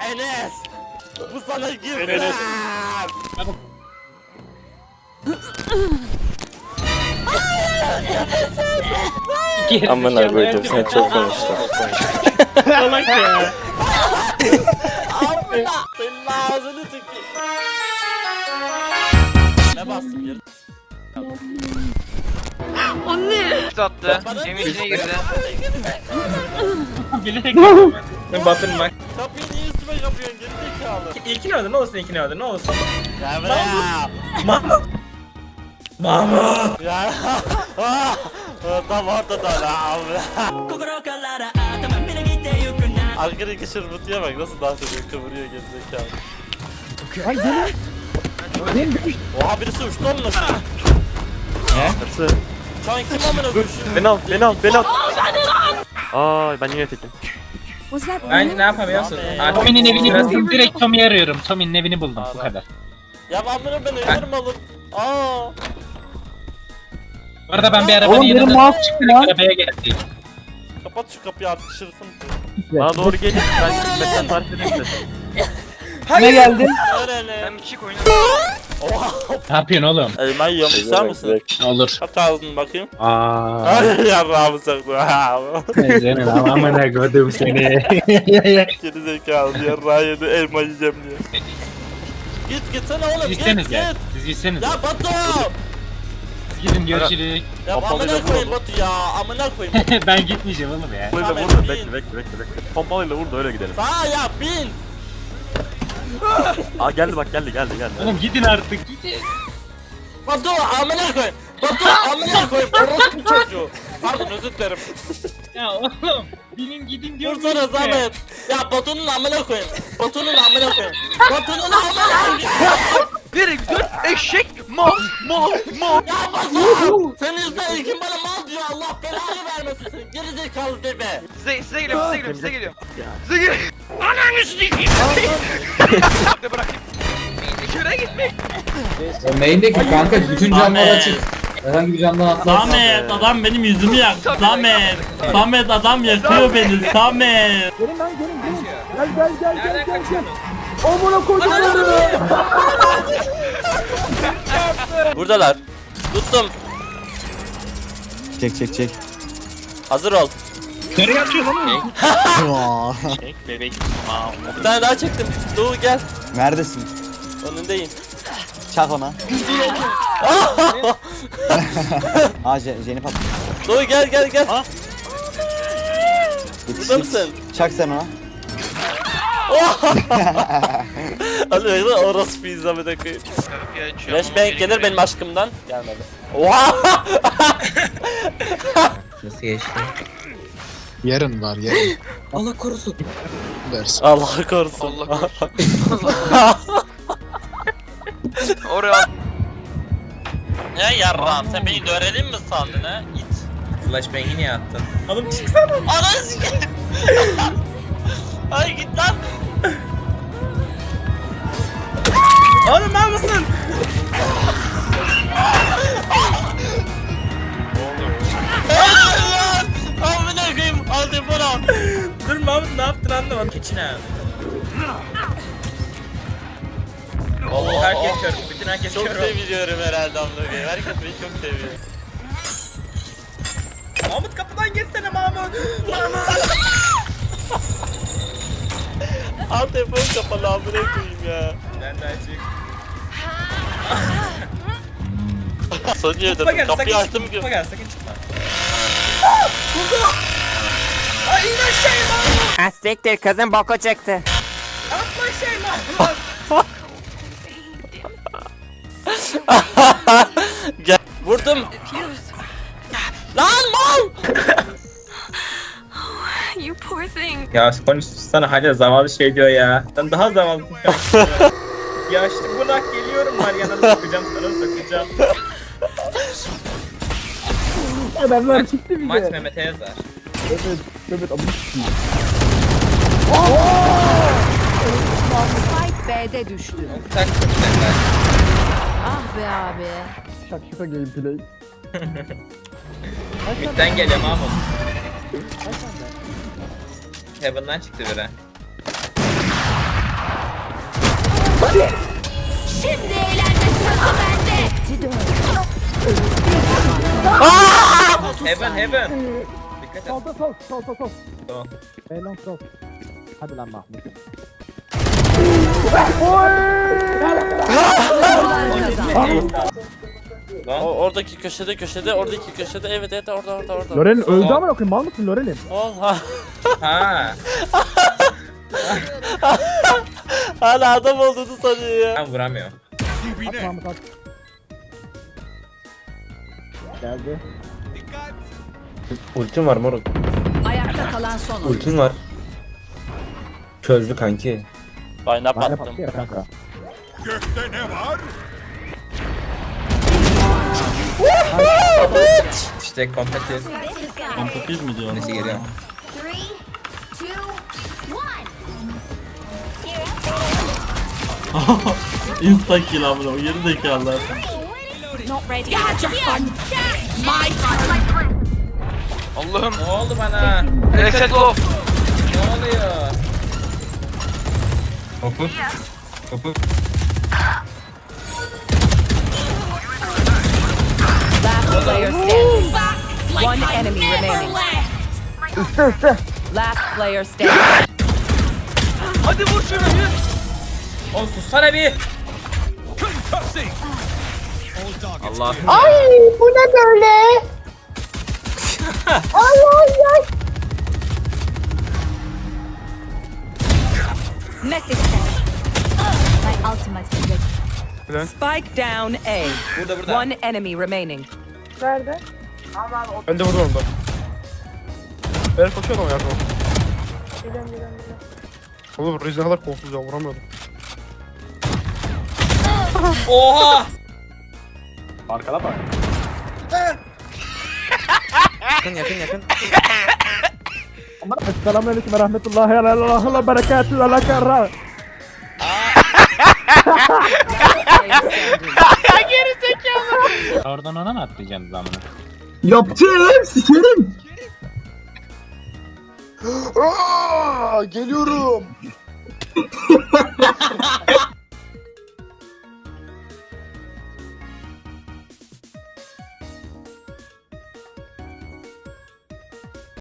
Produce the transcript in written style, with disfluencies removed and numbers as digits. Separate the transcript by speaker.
Speaker 1: Enes. Bu sana gizem.
Speaker 2: Enes.
Speaker 3: Amına koydum sen çok konuştun.
Speaker 2: Salak ya.
Speaker 1: Amına. Senin ağzını tükür. Ne bastım geri?
Speaker 4: Attı. Evin içine girdi.
Speaker 2: Bilerek yapıyorum ben. Ben batırım bak.
Speaker 1: Kapıyı niye üstüme kapıyorsun geri zekalı?
Speaker 2: İlkini öldür ne olsun ilkini öldür ne olsun.
Speaker 1: Gel buraya.
Speaker 2: Mahmut. Mahmut.
Speaker 1: Ya. Tam ortada lan. Arkadaki şırmıtıya bak nasıl dans ediyor kıvırıyor geri zekalı.
Speaker 5: Ay benim
Speaker 1: Oha birisi uçtu onunla.
Speaker 3: Nasıl?
Speaker 1: Şu an kim amına koşuyor?
Speaker 3: Beni al. Aa ben yine tekim.
Speaker 2: Ben ne yapamıyorsun?
Speaker 6: Tommy'nin evini buldum. Direkt Tommy'yi arıyorum. Tommy'nin evini buldum. Bu kadar.
Speaker 1: Ya amına ben ölürüm alır. Aa.
Speaker 6: Bu arada ben bir arabanın
Speaker 5: Oğlum, benim
Speaker 6: yanında
Speaker 5: mouse
Speaker 6: çıktım.
Speaker 5: ya.
Speaker 6: Arabaya geldim.
Speaker 1: Kapat şu kapıyı artık şırfın.
Speaker 3: Bana doğru gelin. Ben tarif edeyim de.
Speaker 5: ne geldi?
Speaker 1: Nereli?
Speaker 4: Sen bir çık oyna.
Speaker 1: Oha.
Speaker 6: Ne yapıyorsun oğlum?
Speaker 1: Elma yiyorum ister misin?
Speaker 6: Olur.
Speaker 1: Kaç ağzını bakayım.
Speaker 6: Aaa.
Speaker 1: Ay yarrağımı saktı.
Speaker 6: Senin amına koydum seni.
Speaker 1: Geri zekalı yarrağı yedi elma yiyeceğim diye. Git gitsene oğlum git
Speaker 6: Gitseniz
Speaker 1: git.
Speaker 6: ya. Siz gitseniz.
Speaker 1: Ya Batu.
Speaker 6: Gidin görüşürüz.
Speaker 1: Ya
Speaker 3: Pompalıyla
Speaker 1: amına koyayım
Speaker 3: vur
Speaker 1: Batu ya amına koyayım.
Speaker 6: Ben gitmeyeceğim oğlum ya.
Speaker 3: Pompalıyla vur da bekle. Pompalıyla vur da öyle gidelim.
Speaker 1: Sağa ya bin.
Speaker 3: Aa geldi bak geldi.
Speaker 6: Oğlum gidin artık gidin.
Speaker 1: Batu amına koyayım. Batu amına koyayım. Orospu çocuğu. Pardon özür dilerim.
Speaker 6: Ya oğlum binin gidin diyorum.
Speaker 1: Dursana zahmet. Ya Batu'nun amına koyayım. Batu'nun amına koyayım. Batu'nun amına koyayım.
Speaker 4: Nereye gidiyorsun? Eşek. Mal.
Speaker 1: Ya Batu. Senin yüzünden ilkin bana mal diyor. Allah belanı vermesin seni. Geri zekalı debe.
Speaker 4: Size geliyorum. Size geliyorum. Ananı sikeyim. Hadi bırakayım. Şuraya gitmek.
Speaker 7: Main'deki kanka bütün camlar açık. Herhangi bir camdan atlarsın.
Speaker 1: Samet adam benim yüzümü yaktı. Samet. Samet adam yakıyor beni. Samet.
Speaker 5: Gelin lan gelin. Gel. Amına koydum.
Speaker 1: Buradalar. Tuttum.
Speaker 3: Çek.
Speaker 1: Hazır ol.
Speaker 6: Nereye atıyorsun oğlum?
Speaker 3: Bebek.
Speaker 1: Bir tane daha çektim. Doğu gel.
Speaker 3: Neredesin?
Speaker 1: Önündeyim.
Speaker 3: Çak ona. Aa Jenny pat.
Speaker 1: Doğu gel.
Speaker 3: Ha?
Speaker 1: Burada mısın?
Speaker 3: Çak sen ona.
Speaker 1: Hadi bekle orası pizza bir dakika. Flashbang gelir benim aşkımdan. Gelmedi. Oha!
Speaker 7: Nasıl geçti?
Speaker 8: Yarın var yarın.
Speaker 7: Allah korusun.
Speaker 8: Dersin.
Speaker 1: Allah korusun.
Speaker 4: Allah korusun. Oraya.
Speaker 1: Ya yarram sen beni dörelim mi sandın ha? İt.
Speaker 7: Flashbang'i niye attın?
Speaker 2: Oğlum çıksana.
Speaker 1: Ananı sikeyim. Ay git lan.
Speaker 2: Oğlum mal mısın?
Speaker 1: Lan! Amına koyayım. Aldım bunu.
Speaker 2: Dur Mahmut ne yaptın anlamadım. Keçin abi. Oo herkes kör. Bütün herkes
Speaker 1: Çok
Speaker 2: kör.
Speaker 1: seviyorum herhalde amına koyayım. Herkes beni çok seviyor.
Speaker 2: Mahmut kapıdan geçsene Mahmut.
Speaker 1: Al telefon kapalı amına koyayım ya.
Speaker 2: Ben de açık.
Speaker 1: Sonucu
Speaker 2: Tutma
Speaker 1: ödedim.
Speaker 2: gel sakın
Speaker 1: Kapıyı açtım
Speaker 2: çıkma.
Speaker 1: ki.
Speaker 2: Tutma gel sakın çıkma. Vurdu. Ay in aşağıya Mahmut.
Speaker 9: Asiktir kızın boku çıktı.
Speaker 2: Atma aşağıya Mahmut.
Speaker 1: Gel. Vurdum. Lan mal!
Speaker 10: You poor thing.
Speaker 2: Ya konuşsana hala zavallı şey diyor ya. Sen daha zavallısın. Ya işte bırak geliyorum var yanına sokacağım sana.
Speaker 5: Adamlar çıktı bir
Speaker 2: Maç
Speaker 5: de.
Speaker 2: Mehmet'e yazar.
Speaker 5: Evet amına koyayım.
Speaker 10: Spike B'de düştü.
Speaker 2: Tak takacaklar.
Speaker 10: Ah be abi.
Speaker 5: Şaka gameplay.
Speaker 2: Mid'den geliyor Mahmut. Heaven'dan çıktı biri.
Speaker 10: Şimdi eğlence sırası bende.
Speaker 2: Heaven. Dikkat et.
Speaker 5: Solda sol.
Speaker 2: Tamam.
Speaker 5: Eylon sol. Hadi lan Mahmut.
Speaker 2: Lan.
Speaker 1: Oradaki köşede, oradaki köşede. Evet orada.
Speaker 5: Loren'in öldü ama okuyayım. Mal mısın Loren'in?
Speaker 1: Oha.
Speaker 2: Ha.
Speaker 1: Hala adam olduğunu sanıyor ya.
Speaker 2: Ben vuramıyor.
Speaker 5: At Mahmut at. Geldi.
Speaker 7: Ultim var moruk.
Speaker 10: Ayakta kalan son oyuncu.
Speaker 7: Ultim var. Çözdü kanki.
Speaker 1: Bayna
Speaker 5: Bana
Speaker 1: battım.
Speaker 5: patlıyor kanka.
Speaker 2: İşte kompetitif.
Speaker 1: Kompetitif mi diyor?
Speaker 2: Nesi geliyor?
Speaker 10: 3, 2, 1.
Speaker 1: Insta kill amına o geri zekalılar.
Speaker 10: Not ready. Get your fun. My turn.
Speaker 4: Allah'ım.
Speaker 2: Ne oldu bana?
Speaker 4: Reset off.
Speaker 2: Ne oluyor? Topu.
Speaker 10: Last player standing. One enemy remaining. Last player standing.
Speaker 4: Hadi vur şunu yürü.
Speaker 2: Oğlum sussana bir. Allah.
Speaker 10: Message sent. My ultimate is ready. Spike down A.
Speaker 2: Burada.
Speaker 10: One enemy remaining.
Speaker 5: Ben de vurdum orada. Ben koşuyorum ya. Geliyorum. Oğlum Rize kadar kolsuz ya vuramıyordum.
Speaker 2: Oha!
Speaker 5: Arkada bak.
Speaker 3: Yakın.
Speaker 5: Selamünaleyküm ve rahmetullahi ve berekatühü ve lekerra.
Speaker 6: Oradan ona mı atlayacaksınız amına?
Speaker 5: Yapacağım sikerim.
Speaker 8: Geliyorum.